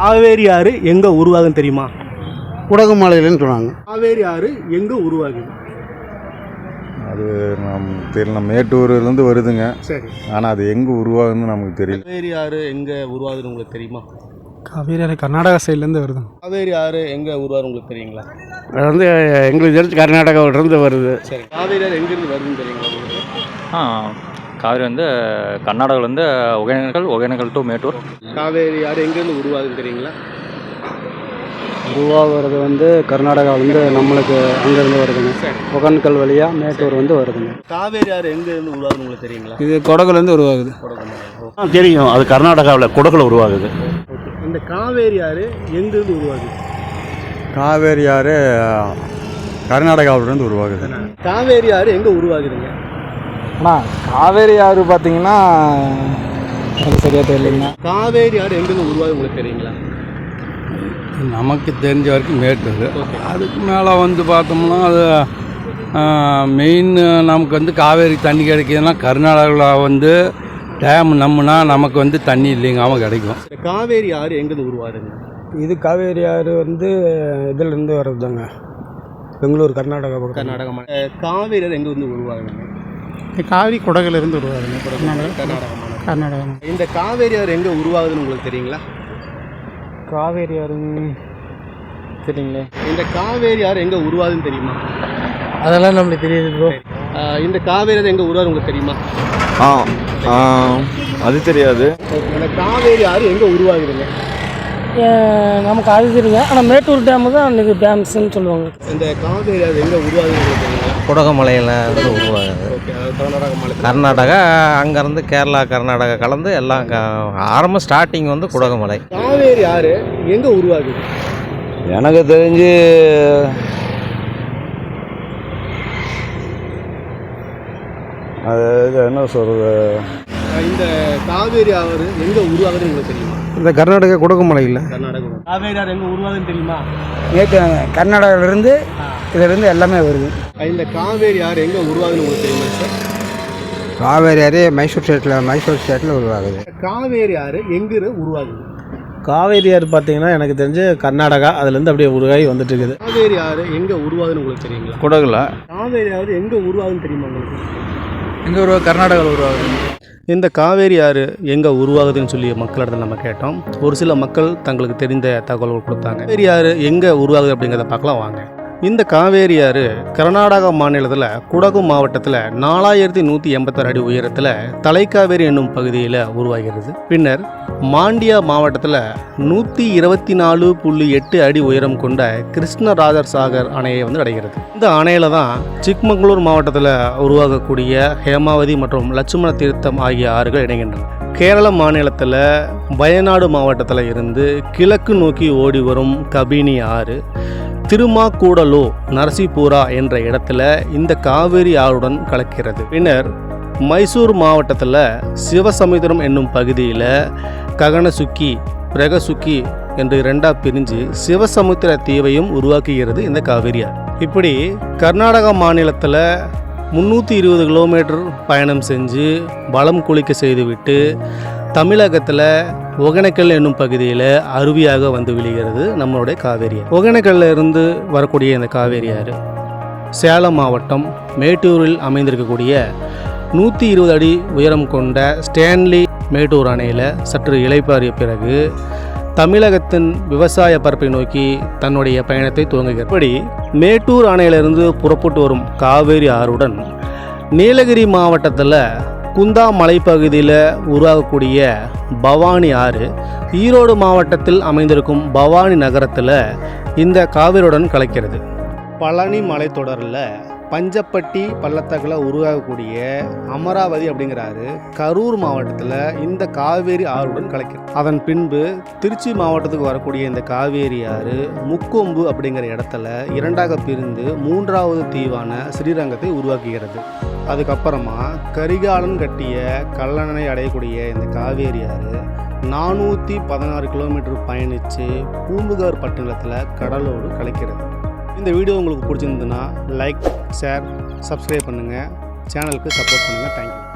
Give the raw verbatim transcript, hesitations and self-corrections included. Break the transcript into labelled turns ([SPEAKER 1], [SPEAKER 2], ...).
[SPEAKER 1] காவேரி ஆறு எங்கே உருவாகுன்னு தெரியுமா?
[SPEAKER 2] குடகுமலையிலன்னு சொன்னாங்க.
[SPEAKER 1] காவேரி ஆறு எங்கே உருவாகுது?
[SPEAKER 3] அது நம் தெரியல, மேட்டூர்லேருந்து வருதுங்க.
[SPEAKER 1] சரி,
[SPEAKER 3] ஆனால் அது எங்கே உருவாகுதுன்னு நமக்கு தெரியல.
[SPEAKER 1] காவேரி ஆறு எங்கே உருவாகுதுன்னு உங்களுக்கு தெரியுமா?
[SPEAKER 2] காவேரி ஆறு கர்நாடகா சைட்லேருந்து வருது.
[SPEAKER 1] காவேரி ஆறு எங்கே உருவாகுது உங்களுக்கு தெரியுங்களா?
[SPEAKER 2] அது வந்து எங்களுக்கு தெரிஞ்சு கர்நாடகாவிலிருந்து வருது.
[SPEAKER 1] சரி, காவேரி ஆறு எங்கேருந்து வருதுன்னு தெரியுங்களா உங்களுக்கு?
[SPEAKER 4] ஆ காவேரி வந்து கர்நாடகாவிலேருந்து ஒகேனக்கல், ஒகேனக்கல் டு மேட்டூர்.
[SPEAKER 1] காவேரி ஆறு எங்கேருந்து உருவாகுதுன்னு தெரியுங்களா?
[SPEAKER 2] உருவாகிறது வந்து கர்நாடகாவிலேருந்து நம்மளுக்கு அங்கேருந்து வருதுங்க. ஒகேனக்கல் வழியாக மேட்டூர் வந்து வருதுங்க.
[SPEAKER 1] காவேரி ஆறு எங்கேருந்து உருவாகுதுன்னு உங்களுக்கு தெரியுங்களா?
[SPEAKER 2] இது குடகுலேருந்து உருவாகுது.
[SPEAKER 1] குடகுமலை.
[SPEAKER 5] தெரியும், அது கர்நாடகாவில் குடகுல உருவாகுது.
[SPEAKER 1] இந்த காவேரி ஆறு எங்கேருந்து உருவாகுது?
[SPEAKER 3] காவேரி ஆறு கர்நாடகாவிலேருந்து உருவாகுது.
[SPEAKER 1] காவேரி ஆறு எங்கே உருவாகுதுங்க?
[SPEAKER 2] ஆனால் காவேரி ஆறு பார்த்தீங்கன்னா எனக்கு சரியாக தெரியலைங்கண்ணா.
[SPEAKER 1] காவேரி ஆறு எங்கேருந்து உருவாகுது உங்களுக்கு தெரியுங்களா?
[SPEAKER 6] நமக்கு தெரிஞ்ச வரைக்கும் மேட்டூர்.
[SPEAKER 1] ஓகே.
[SPEAKER 6] அதுக்கு மேலே வந்து பார்த்தோம்னா அது மெயின் நமக்கு வந்து காவேரி தண்ணி கிடைக்கிதுன்னா கர்நாடகாவில் வந்து டேம் நம்பினா நமக்கு வந்து தண்ணி இல்லைங்காமல் கிடைக்கும்.
[SPEAKER 1] காவேரி ஆறு எங்கேருந்து உருவாகுதுங்க?
[SPEAKER 2] இது காவேரி ஆறு வந்து இதிலேருந்து வர்றதுதாங்க, பெங்களூர் கர்நாடகா பக்கம்.
[SPEAKER 1] கர்நாடகா. காவேரி ஆறு எங்கே வந்து உருவாகுதுங்க?
[SPEAKER 2] காவேரி குடகுலேருந்து உருவாகுதுங்க.
[SPEAKER 1] கர்நாடகா. கர்நாடகா.
[SPEAKER 2] கர்நாடகா.
[SPEAKER 1] இந்த காவேரி ஆறு எங்கே உருவாகுதுன்னு உங்களுக்கு தெரியுங்களா?
[SPEAKER 2] காவேரி ஆறு சரிங்களே.
[SPEAKER 1] இந்த காவேரி ஆறு எங்கே உருவாகுதுன்னு தெரியுமா?
[SPEAKER 2] அதெல்லாம் நம்மளுக்கு தெரியுது ப்ரோ.
[SPEAKER 1] இந்த காவேரி ஆறு எங்கே உருவாகுது உங்களுக்கு தெரியுமா?
[SPEAKER 3] ஆ அது தெரியாது.
[SPEAKER 1] இந்த காவேரி ஆறு எங்கே உருவாகுதுங்க?
[SPEAKER 7] நமக்கு அது தெரியுங்க, ஆனால் மேட்டூர் டேமு தான் இது டேம்ஸ்ன்னு சொல்லுவாங்க.
[SPEAKER 1] இந்த காவேரி ஆறு எங்கே உருவாகுதுன்னு உங்களுக்கு தெரியுங்களா?
[SPEAKER 8] குடகுமலையில் இருந்து உருவாகுது.
[SPEAKER 1] ஓகே, கர்நாடகா மாநிலம்.
[SPEAKER 8] கர்நாடகா அங்கேருந்து கேரளா கர்நாடகா கலந்து எல்லாம் ஆரம்ப ஸ்டார்டிங் வந்து குடகுமலை.
[SPEAKER 1] காவேரி ஆறு எங்கே உருவாகுது?
[SPEAKER 3] எனக்கு தெரிஞ்சு அது என்ன சொல்கிறது,
[SPEAKER 1] இந்த காவேரி ஆறு எங்கே உருவாகுதுன்னு உங்களுக்கு தெரியுமா?
[SPEAKER 2] இந்த கர்நாடகா குடகுமலையில்.
[SPEAKER 1] கர்நாடகா. காவேரி ஆறு எங்கே உருவாகுதுன்னு தெரியுமா?
[SPEAKER 2] நேற்று கர்நாடகாவிலேருந்து இதிலேருந்து எல்லாமே வருது.
[SPEAKER 1] இந்த காவேரி ஆறு எங்கே உருவாகுதுன்னு உங்களுக்கு தெரியுமா சார்?
[SPEAKER 2] காவேரி ஆறு மைசூர் ஸ்டேட்டில் மைசூர் ஸ்டேட்டில் உருவாகுது.
[SPEAKER 1] காவேரி ஆறு எங்கே உருவாகுது?
[SPEAKER 2] காவேரி ஆறு பார்த்தீங்கன்னா எனக்கு தெரிஞ்சு கர்நாடகா அதுலேருந்து அப்படியே உருவாகி வந்துட்டு இருக்குது.
[SPEAKER 1] காவேரி ஆறு எங்கே உருவாகுதுன்னு உங்களுக்கு தெரியுங்களா?
[SPEAKER 3] குடகுல.
[SPEAKER 1] காவேரி ஆறு எங்கே உருவாகுதுன்னு தெரியுமா உங்களுக்கு?
[SPEAKER 2] எங்கே உருவா கர்நாடகாவில் உருவாகுது.
[SPEAKER 1] இந்த காவேரி ஆறு எங்கே உருவாகுதுன்னு சொல்லி மக்களிடத்தில் நம்ம கேட்டோம். ஒரு சில மக்கள் தங்களுக்கு தெரிந்த தகவல்கள் கொடுத்தாங்க. காவேரி ஆறு எங்கே உருவாகுது அப்படிங்கிறத பார்க்கலாம் வாங்க. இந்த காவேரி ஆறு கர்நாடகா மாநிலத்தில் குடகு மாவட்டத்தில் நாலாயிரத்தி நூற்றி எண்பத்தாறு அடி உயரத்தில் தலைக்காவேரி என்னும் பகுதியில் உருவாகிறது. பின்னர் மாண்டியா மாவட்டத்தில் நூற்றி இருபத்தி நாலு புள்ளி எட்டு அடி உயரம் கொண்ட கிருஷ்ணராஜர் சாகர் அணையை வந்து அடைகிறது. இந்த அணையில் தான் சிக்மங்களூர் மாவட்டத்தில் உருவாகக்கூடிய ஹேமாவதி மற்றும் லட்சுமண தீர்த்தம் ஆகிய ஆறுகள் இணைகின்றன. கேரள மாநிலத்தில் வயநாடு மாவட்டத்தில் இருந்து கிழக்கு நோக்கி ஓடி வரும் கபினி ஆறு திருமாக்கூடலோ நரசிபுரா என்ற இடத்துல இந்த காவேரி ஆறுடன் கலக்கிறது. பின்னர் மைசூர் மாவட்டத்தில் சிவசமுத்திரம் என்னும் பகுதியில் ககனசுக்கி பிரகசுக்கி என்று இரண்டா பிரிஞ்சு சிவசமுத்திர தீவையும் உருவாக்குகிறது இந்த காவேரி ஆறு. இப்படி கர்நாடகா மாநிலத்தில் முந்நூற்றி இருபது கிலோமீட்டர் பயணம் செஞ்சு வளம் குளிக்க செய்துவிட்டு தமிழகத்தில் ஒகேனக்கல் என்னும் பகுதியில் அருவியாக வந்து விழுகிறது நம்மளுடைய காவேரி ஆறு. ஒகேனக்கல்ல இருந்து வரக்கூடிய இந்த காவேரி ஆறு சேலம் மாவட்டம் மேட்டூரில் அமைந்திருக்கக்கூடிய நூற்றி இருபது அடி உயரம் கொண்ட ஸ்டான்லி மேட்டூர் அணையில் சற்று இளைப்பாறிய பிறகு தமிழகத்தின் விவசாய பரப்பை நோக்கி தன்னுடைய பயணத்தை துவங்குகிறது. இப்படி மேட்டூர் அணையிலிருந்து புறப்பட்டு வரும் காவேரி ஆறுடன் நீலகிரி மாவட்டத்தில் குந்தா மலைப்பகுதியில் உருவாகக்கூடிய பவானி ஆறு ஈரோடு மாவட்டத்தில் அமைந்திருக்கும் பவானி நகரத்தில் இந்த காவிரியுடன் கலக்கிறது. பழனி மலைத்தொடரில் பஞ்சப்பட்டி பள்ளத்தாக்கில் உருவாகக்கூடிய அமராவதி அப்படிங்கிறாரு கரூர் மாவட்டத்தில் இந்த காவேரி ஆறுடன் கலக்கிறது. அதன் பின்பு திருச்சி மாவட்டத்துக்கு வரக்கூடிய இந்த காவேரி ஆறு முக்கொம்பு அப்படிங்கிற இடத்துல இரண்டாக பிரிந்து மூன்றாவது தீவான ஸ்ரீரங்கத்தை உருவாக்குகிறது. அதுக்கப்புறமா கரிகாலன் கட்டிய கல்லணை அடையக்கூடிய இந்த காவேரி ஆறு நானூற்றி பதினாறு கிலோமீட்டர் பயணித்து பூம்புகார் பட்டணத்தில் கடலோடு கலக்கிறது. இந்த வீடியோ உங்களுக்கு பிடிச்சிருந்ததுன்னா லைக், ஷேர், சப்ஸ்கிரைப் பண்ணுங்கள். சேனலுக்கு சப்போர்ட் பண்ணுங்கள். தேங்க்யூ.